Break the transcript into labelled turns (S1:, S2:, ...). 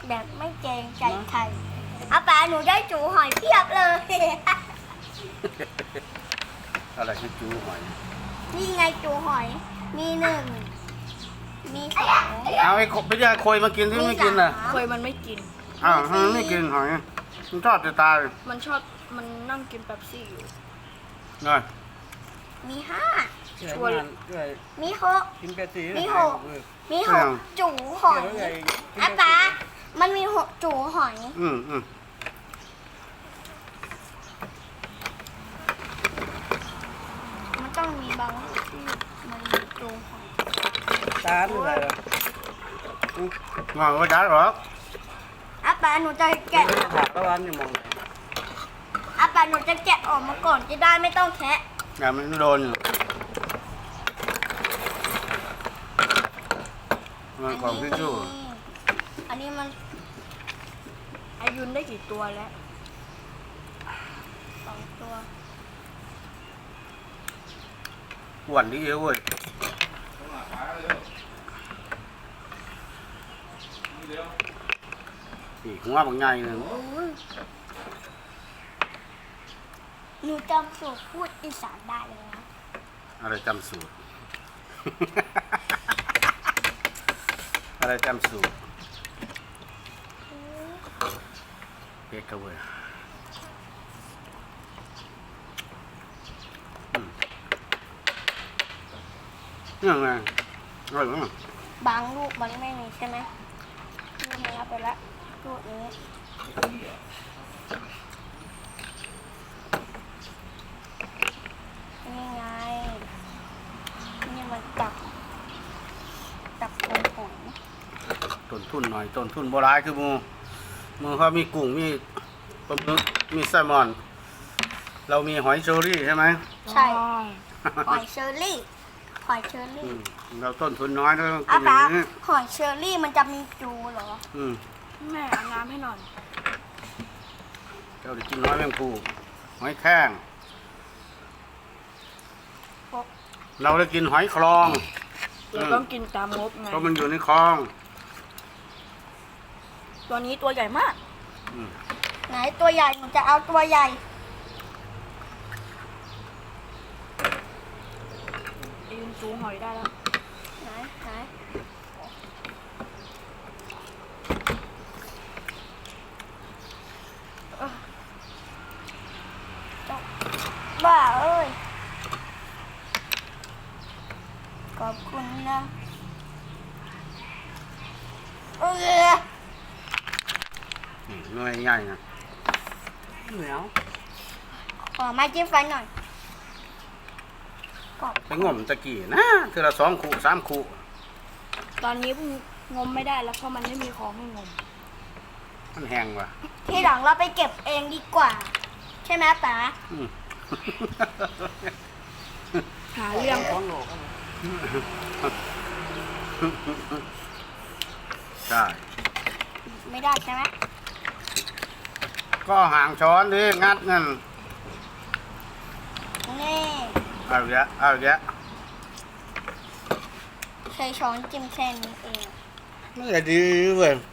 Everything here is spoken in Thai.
S1: แบบไม่เกรงใจใครอาป๋าหนูได้จูหอยเพียบเลย
S2: อะไรคือจูหอย
S1: นี่ไงจูหอย มีหนึ่ง มีสอง
S2: เอาไอ้พี่ยาโคยมากินที่ไม่กินน่ะ
S3: เคยมันไม่กิน
S2: อ้าวทำไมไม่กินหอยมันชอบจะตาย
S3: มันชอบมันนั่งกินเป๊ปซี่อยู่
S2: เนาะ
S1: มีห้า
S3: ชวน
S1: มีหก
S4: กินเปซี่
S1: มีหก มีหกจูหอยอาป๋ามันมีหกจูหอย
S2: อืม
S1: มันต้องมีบางที่มันมีจูหอย
S4: ตาอะไรล่ะ
S2: งอนก็ได้หรอก
S1: อาป๋าหนูจะแกะ
S4: ถากตะวันอยู่มองไหน
S1: อาป๋าหนูจะแกะออกมาก่อนจะได้ไม่ต้องแคะ
S2: อย่ามันโดนอยู่มันของพี่ชู้
S1: อันนี้มัน
S3: อายุนได้กี่ตัวแล้ว
S1: สองตัว
S2: อ้วนดีเว้ยอีกหัวบางใหญ่เลย
S1: หนูจำสูตรพูดอีสานได้เลยนะ
S2: อะไรจำสูตร อะไรจำสูตรเป็ดกระเวยยังไงอร่อยมาก
S1: บางลูกมันไม่มีใช่ไหมลูกนี้เอาไปละลูกนี้นี่ไงนี่มันตับผงผง
S2: ต้นทุนหน่อยต้นทุนโบราณคือมือเขามีกุ้งมีปลาหมึกมีแซลมอน เรามีหอยเชอรี่ใช่ไหม
S1: ใช่หอยเชอรี่หอยเชอ
S2: อื
S1: รี่
S2: มเราต้นทุนน้อยเราต้องกิ
S1: อาน
S2: อย่า
S1: ป๋าง
S2: นี้
S1: หอยเชอรี่มันจะมีจูเหรอ
S2: อืม
S3: แม่เอาน้ำให้หน่อย
S2: เจ้าได้กินน้อยแมงปูหอยแข้งเราได้กินหอยคลอง
S3: เราต้องกินตามงบไง
S2: เพราะมันอยู่ในคลอง
S3: ตัวนี้ตัวใหญ่มาก
S2: อืม
S1: ไหนตัวใหญ่หนูจะเอาตัวใหญ่
S3: อายุนจูหอยได้แล้ว
S1: ไหนบ้าเอ้ยขอบคุณนะเออ
S2: นี่หน่วยใหญ่นะ
S4: เหนียว
S1: ขอไม้จิ้มฟันหน่อยขอบ
S2: ไปงมตะกี้นะคือละ2 คู่ 3 คู่
S3: ตอนนี้งมไม่ได้แล้วเพราะมันไม่มีของให้งม
S2: มันแห้งว่ะ
S1: ทีหลังเราไปเก็บเองดีกว่า ใช่ไหมป๋า
S2: อืม
S3: หาเรื่อง
S4: ท้องโหลก
S2: ใช่
S1: ไม่ได้ใช่ไหม
S2: ก็ห่างช้อนดิงัดนั่น
S1: นี่
S2: เอาอีกแล้วเอาอีกแล้ว
S1: ใช้ช้อนจิ้มแค่นี้เอง
S2: ไม่ได้ดีเว้ย